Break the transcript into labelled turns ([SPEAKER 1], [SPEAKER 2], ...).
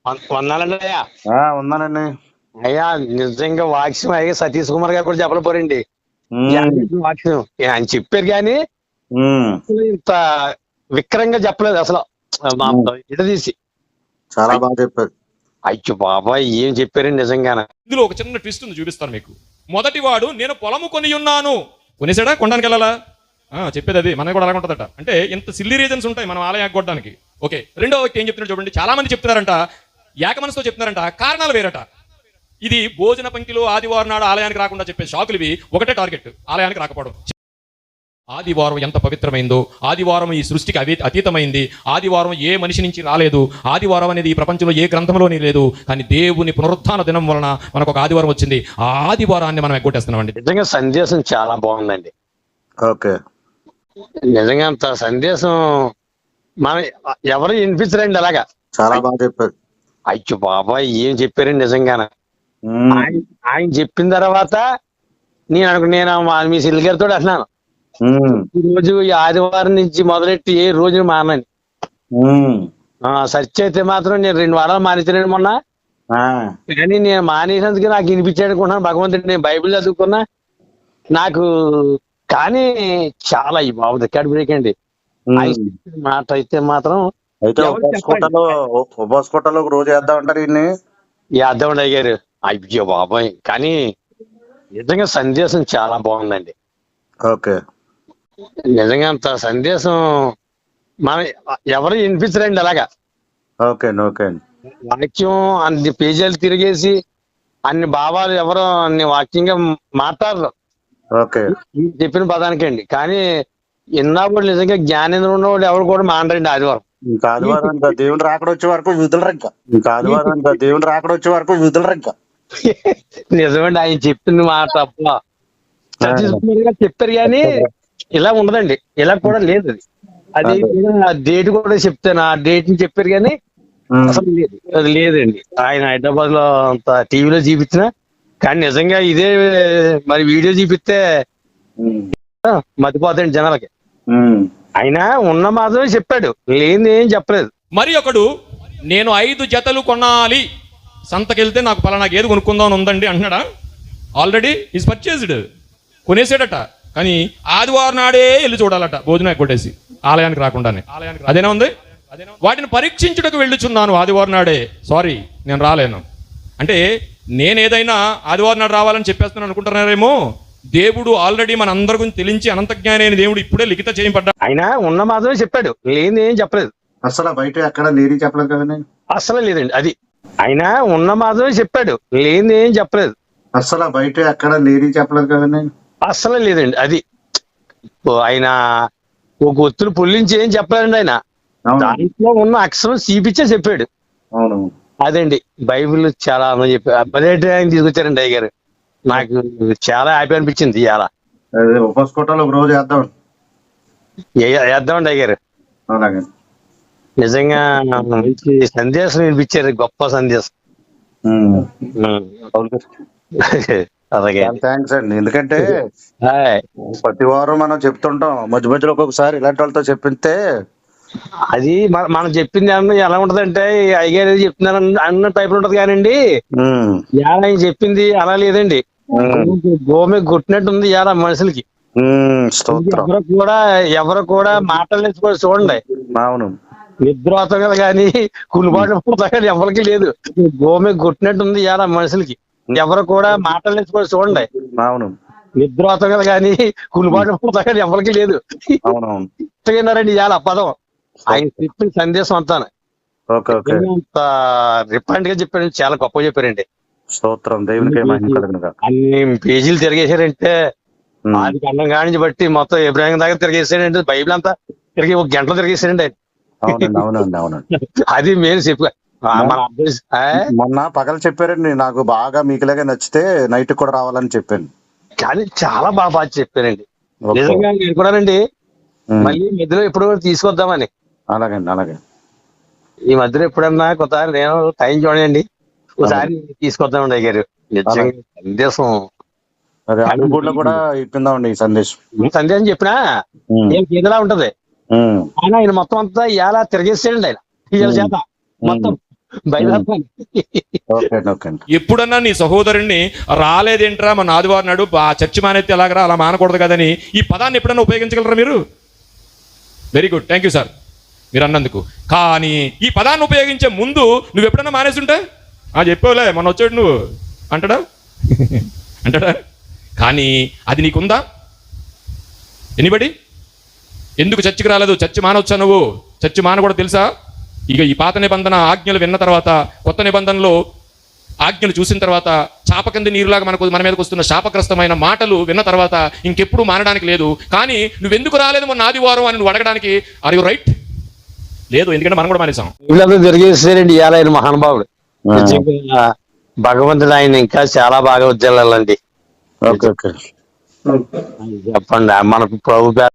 [SPEAKER 1] వందాలండి అయ్యా.
[SPEAKER 2] ఉన్నానండి.
[SPEAKER 1] అయ్యా నిజంగా వాక్యం అయ్యా సతీష్ కుమార్ గారు కూడా చెప్పలేపోరండి. వాక్యం ఆయన చెప్పారు కానీ ఇంత విక్రంగా చెప్పలేదు అసలు. తీసి
[SPEAKER 2] చాలా బాగా చెప్పారు.
[SPEAKER 1] అయ్యో బాబాయ్ ఏం చెప్పారండి నిజంగానే.
[SPEAKER 3] ఇందులో ఒక చిన్న ట్విస్ట్ ఉంది, చూపిస్తాను మీకు. మొదటి వాడు నేను పొలము కొని ఉన్నాను. కొనేసాడా? కొనడానికి వెళ్ళాలా? చెప్పేది అది. మనకి కూడా అలాగ ఉంటుందట. అంటే ఇంత సిల్లీ రీజన్స్ ఉంటాయి మనం ఆలయానికి కొట్టడానికి. ఓకే, రెండో వ్యక్తి ఏం చెప్తున్నాడు చూడండి. చాలా మంది చెప్తున్నారంట, ఏక మనసుతో చెప్తున్నారంట, కారణాలు వేరట. ఇది భోజన పంక్తిలో ఆదివారం నాడు ఆలయానికి రాకుండా చెప్పే షాకులు ఇవి. ఒకటే టార్గెట్, ఆలయానికి రాకపోవడం. ఆదివారం ఎంత పవిత్రమైందో, ఆదివారం ఈ సృష్టికి అతీతమైంది, ఆదివారం ఏ మనిషి నుంచి రాలేదు, ఆదివారం అనేది ఈ ప్రపంచంలో ఏ గ్రంథంలోనే లేదు. కానీ దేవుని పునరుత్థాన దినం వలన మనకు ఒక ఆదివారం వచ్చింది. ఆ ఆదివారాన్ని మనం ఎగ్గొట్టేస్తున్నామండి.
[SPEAKER 1] నిజంగా సందేశం చాలా బాగుందండి.
[SPEAKER 2] ఓకే,
[SPEAKER 1] నిజంగా అంత సందేశం మన ఎవరు వినిపించరండి అలాగా.
[SPEAKER 2] చాలా బాగా చెప్పారు.
[SPEAKER 1] అయ్యో బాబాయ్ ఏం చెప్పారండి నిజంగానే. ఆయన చెప్పిన తర్వాత నేను మీ సిల్ గారితో అంటున్నాను, ఈ రోజు ఈ ఆదివారం నుంచి మొదలెట్టి ఏ రోజు మానని. సర్చ్ అయితే మాత్రం నేను 2 వారాలు మానేసాను మొన్న. కానీ నేను మానేసినందుకు నాకు వినిపించాడు అనుకుంటున్నాను భగవంతుడు. నేను బైబిల్ చదువుకున్నా నాకు, కానీ చాలా ఈ బాబు రికార్డ్ బ్రేక్ అండి. మాట అయితే మాత్రం
[SPEAKER 2] ఉపవాసకోటలో రోజు వేద్దాం అంటారు ఇన్ని
[SPEAKER 1] వేద్దామండి అయ్యారు. అయ్యో బాబాయ్, కానీ నిజంగా సందేశం చాలా బాగుందండి.
[SPEAKER 2] ఓకే,
[SPEAKER 1] నిజంగా అంత సందేశం మన ఎవరు వినిపించరండి అలాగా.
[SPEAKER 2] Okay okay.
[SPEAKER 1] వాక్యం అన్ని పేజీలు తిరిగేసి అన్ని భావాలు ఎవరో అన్ని వాక్యంగా మాట్లాడరు.
[SPEAKER 2] ఓకే,
[SPEAKER 1] చెప్పిన పదానికి అండి. కానీ ఇన్నాళ్ళు నిజంగా జ్ఞానేంద్రం ఉన్నవాడు ఎవరు కూడా మానరండి ఆదివారం.
[SPEAKER 2] ఇంకా ఆదివారం దేవుని రాకడ వచ్చే వరకు విధులరు. ఇంకా ఆదివారం దేవుని రాకడ వచ్చే వరకు విధులరు. ఇంకా
[SPEAKER 1] నిజమండి, ఆయన చెప్పిన మాట తప్ప సతీష్ కుమార్ గారు చెప్పారు కానీ ఇలా ఉండదండి. ఇలా కూడా లేదు. అది డేట్ కూడా చెప్తాను, ఆ డేట్ ని చెప్పారు కానీ అసలు లేదు, అది లేదండి. ఆయన హైదరాబాద్ లో అంత టీవీలో చూపించిన కానీ నిజంగా ఇదే మరి వీడియో చూపిస్తే మతిపోతాయండి జనాలకి. ఆయన ఉన్న మాత్రమే చెప్పాడు, లేని ఏం చెప్పలేదు.
[SPEAKER 3] మరి ఒకడు నేను 5 జతలు కొనాలి, సంతకెళ్తే నాకు పలానా గేదె కొనుక్కుందాం ఉందండి అంటున్నాడా? ఆల్రెడీ ఈజ్ పర్చేజ్డ్, కొనేసాడట. కానీ ఆదివారం నాడే వెళ్ళి చూడాలట, భోజనం కొట్టేసి ఆలయానికి రాకుండానే. అదేనా ఉంది? వాటిని పరీక్షించుటకు వెళ్ళుచున్నాను ఆదివారం నాడే, సారీ నేను రాలేను అంటే. నేను ఏదైనా ఆదివారం నాడు రావాలని చెప్పేస్తున్నాను అనుకుంటున్నారేమో. దేవుడు ఆల్రెడీ మన అందరి గురించి తెలించి అనంత జ్ఞాని అయిన దేవుడు ఇప్పుడే లిఖిత చేయబడ్డా.
[SPEAKER 1] ఆయన ఉన్న మాత్రమే చెప్పాడు, లేని ఏం చెప్పలేదు.
[SPEAKER 2] అసలు బయట ఎక్కడ లేని చెప్పలేదు కదండి.
[SPEAKER 1] అసలు లేదండి అది. ఆయన ఉన్న మాత్రమే చెప్పాడు, లేని ఏం చెప్పలేదు.
[SPEAKER 2] అసలు బయట ఎక్కడ లేని చెప్పలేదు కదండి.
[SPEAKER 1] అసలు లేదండి అది. ఆయన ఒక ఒత్తులు పుల్లించి ఏం చెప్పలేదండి. ఆయన దాంట్లో ఉన్న అక్షరం చూపించే చెప్పాడు.
[SPEAKER 2] అవును,
[SPEAKER 1] అదండి బైబిల్ చాలా చెప్పారు. ఆయన తీసుకొచ్చారండి అయ్య గారు. నాకు చాలా హ్యాపీ అనిపించింది. ఇవాళ
[SPEAKER 2] ఉపవాసకోటలో రోజు
[SPEAKER 1] వేద్దామండి అయ్య గారు. నిజంగా మంచి సందేశం వినిపించారు, గొప్ప సందేశం.
[SPEAKER 2] అలాగే, థ్యాంక్స్ అండి. ఎందుకంటే ప్రతి వారం మనం చెప్తుంటాం, మధ్య మధ్యలో ఒక్కొక్కసారి ఇలాంటి వాళ్ళతో చెప్పితే
[SPEAKER 1] అది మనం చెప్పింది ఎలా ఉంటదంటే అయ్యగారు ఏది చెప్తున్నారు అన్న టైప్ ఉంటది. కానండి ఆయన చెప్పింది అలా లేదండి. గోమె కొట్టినట్టు ఉంది ఇవాళ మనుషులకి. ఎవరు కూడా మాటలేదు చూడండి.
[SPEAKER 2] అవును,
[SPEAKER 1] నిద్రోతగలు కానీ కులిబాటు కానీ ఎవరికి లేదు. గోమె కొట్టినట్టు ఉంది ఇవాళ మనుషులకి. ఎవరు కూడా మాటలేదు చూడండి.
[SPEAKER 2] అవును,
[SPEAKER 1] నిద్రోతగలు కానీ కులిబాటు కానీ ఎవరికి లేదు. అవునవును ఇవాళ పదం ఆయన చెప్పిన సందేశం అంతా రిఫండ్ గా చెప్పారు. చాలా గొప్పగా చెప్పారండి. అన్ని పేజీలు తిరిగేశారంటే ఆది కాండం కానించి బట్టి మొత్తం ఇబ్రాహిం దాకా తిరిగేసాడంటే, బైబిల్ అంతా తిరిగి 1 గంటలో తిరిగేసాడండి ఆయన. అది మెయిన్ చెప్పు.
[SPEAKER 2] మొన్న పగలు చెప్పారండి, నాకు బాగా మీకులాగా నచ్చితే నైట్ కూడా రావాలని చెప్పాను.
[SPEAKER 1] కానీ చాలా బాగా చెప్పారండి. నిజంగా నేను కూడానండి మళ్ళీ మధ్యలో ఎప్పుడు తీసుకొద్దామని.
[SPEAKER 2] అలాగండి, అలాగే.
[SPEAKER 1] ఈ మధ్యలో ఎప్పుడన్నా కొత్త నేను టైం చూడండి, ఒకసారి తీసుకొద్దామండి అయ్యారు. నిజంగా సందేశం
[SPEAKER 2] కూడా ఇప్పిందామండి. ఈ
[SPEAKER 1] సందేశం చెప్పినా ఏం ఏదలా ఉంటది. ఆయన మొత్తం అంతా ఇలా తిరిగేసాడండి. ఆయన ఇవాళ చేత మొత్తం బయలుదేరుతాను.
[SPEAKER 2] ఓకే అండి, ఓకే అండి.
[SPEAKER 3] ఎప్పుడన్నా నీ సహోదరుణ్ణి రాలేదేంట్రా మన ఆదివారం నాడు ఆ చర్చి మానేస్తే ఎలాగరా, అలా మానకూడదు కదని ఈ పదాన్ని ఎప్పుడన్నా ఉపయోగించగలరా మీరు? Very good, thank you sir మీరు అన్నందుకు. కానీ ఈ పదాన్ని ఉపయోగించే ముందు నువ్వు ఎప్పుడన్నా మానేసుంటే చెప్పావులే మొన్న వచ్చాడు నువ్వు అంటాడా? అంటాడా? కానీ అది నీకుందా? ఎనిబడి ఎందుకు చర్చికి రాలేదు? చర్చి మానవచ్చా నువ్వు? చర్చి మానకూడదు తెలుసా? ఇక ఈ పాత నిబంధన ఆజ్ఞలు విన్న తర్వాత, కొత్త నిబంధనలో ఆజ్ఞలు చూసిన తర్వాత, చాప కింద నీరులాగా మన మీదకి వస్తున్న శాపగ్రస్తమైన మాటలు విన్న తర్వాత ఇంకెప్పుడు మానడానికి లేదు. కానీ నువ్వెందుకు రాలేదు మొన్న ఆదివారం అని నువ్వు అడగడానికి ఆర్ యు రైట్? లేదు, ఎందుకంటే మనం కూడా మానేసాం.
[SPEAKER 1] వీళ్ళందరూ జరిగేసారండి ఇవాళ ఆయన మహానుభావుడు. నిజంగా భగవంతుడు ఆయన ఇంకా చాలా బాగా ఉజ్జలాలండి.
[SPEAKER 2] ఓకే ఓకే
[SPEAKER 1] చెప్పండి మనకు ప్రభు